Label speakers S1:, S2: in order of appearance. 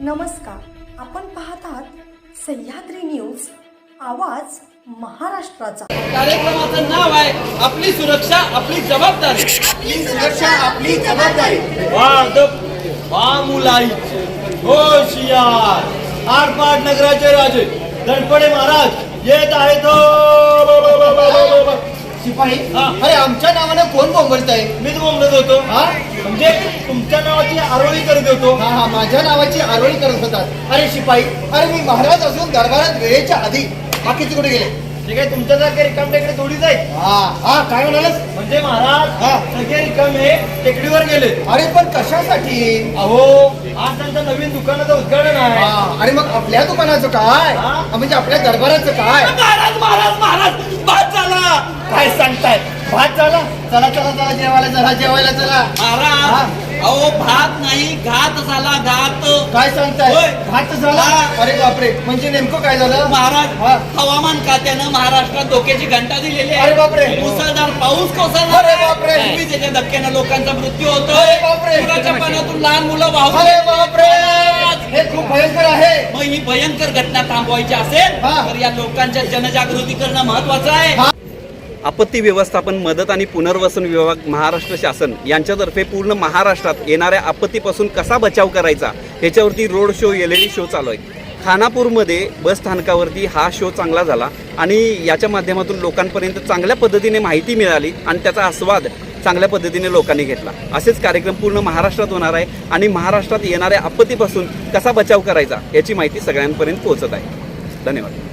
S1: नमस्कार, आपण पाहतात सह्याद्री न्यूज, आवाज महाराष्ट्राचा।
S2: कार्यक्रमाचं नाव आहे आपली सुरक्षा आपली जबाबदारी।
S3: आपली सुरक्षा आपली जबाबदारी।
S2: मुलाई होशियार आरपाट नगराचे राजे गणपती महाराज येत आहेत।
S3: शिपाई, अरे आमच्या नावानं कोण बोंबलताय?
S2: मीच बोंबलत होतो। म्हणजे तुमच्या नावाची आरोळी करत होतो।
S3: हा, माझ्या नावाची आरोळी करत होतात। अरे शिपाई, अरे मी महाराज असून दरबारात वेळेच्या आधी बाकीचे कुठे गेले?
S2: ठीक आहे, तुमच्यासारखे रिकामटेकडे थोडीच आहे।
S3: हा, काय म्हणालस?
S2: म्हणजे महाराज सगळे रिकामे टेकडीवर गेले।
S3: अरे पण कशासाठी?
S2: अहो, आज त्यांचं नवीन दुकानाचं उद्घाटन आहे।
S3: अरे मग आपल्या दुकानाचं काय? म्हणजे आपल्या दरबाराचं काय?
S2: महाराज महाराज महाराज भात झाला।
S3: काय सांगताय? भात झाला? चला चला चला जेवायला चला।
S4: महाराज, अहो भात नाही घात झाला, घात।
S3: काय सांगताय?
S4: होय.
S3: भात झाला? अरे बापरे, म्हणजे नेमकं काय झालं?
S4: महाराज, हवामान खात्यानं महाराष्ट्रात धोक्याची घंटा दिलेली आहे।
S3: अरे बापरे.
S4: मुसळधार पाऊस कोसळणार
S3: अरे बापरे.
S4: आहे। विजेच्या धक्क्यानं लोकांचा मृत्यू
S3: अरे
S4: होतोय।
S3: बापरे.
S4: पुराच्या पाण्यातून लहान मुलं वाहून
S3: अरे बापरे, हे खूप भयंकर आहे।
S4: मग ही भयंकर घटना थांबवायची असेल तर या लोकांच्या जनजागृती करणं महत्वाचं आहे।
S5: आपत्ती व्यवस्थापन मदत आणि पुनर्वसन विभाग महाराष्ट्र शासन यांच्यातर्फे पूर्ण महाराष्ट्रात येणाऱ्या आपत्तीपासून कसा बचाव करायचा ह्याच्यावरती रोड शो LED शो चालू आहे। खानापूरमध्ये बस स्थानकावरती हा शो चांगला झाला आणि याच्या माध्यमातून लोकांपर्यंत चांगल्या पद्धतीने माहिती मिळाली आणि त्याचा आस्वाद चांगल्या पद्धतीने लोकांनी घेतला। असेच कार्यक्रम पूर्ण महाराष्ट्रात होणार आहे आणि महाराष्ट्रात येणाऱ्या आपत्तीपासून कसा बचाव करायचा याची माहिती सगळ्यांपर्यंत पोहोचत आहे। धन्यवाद।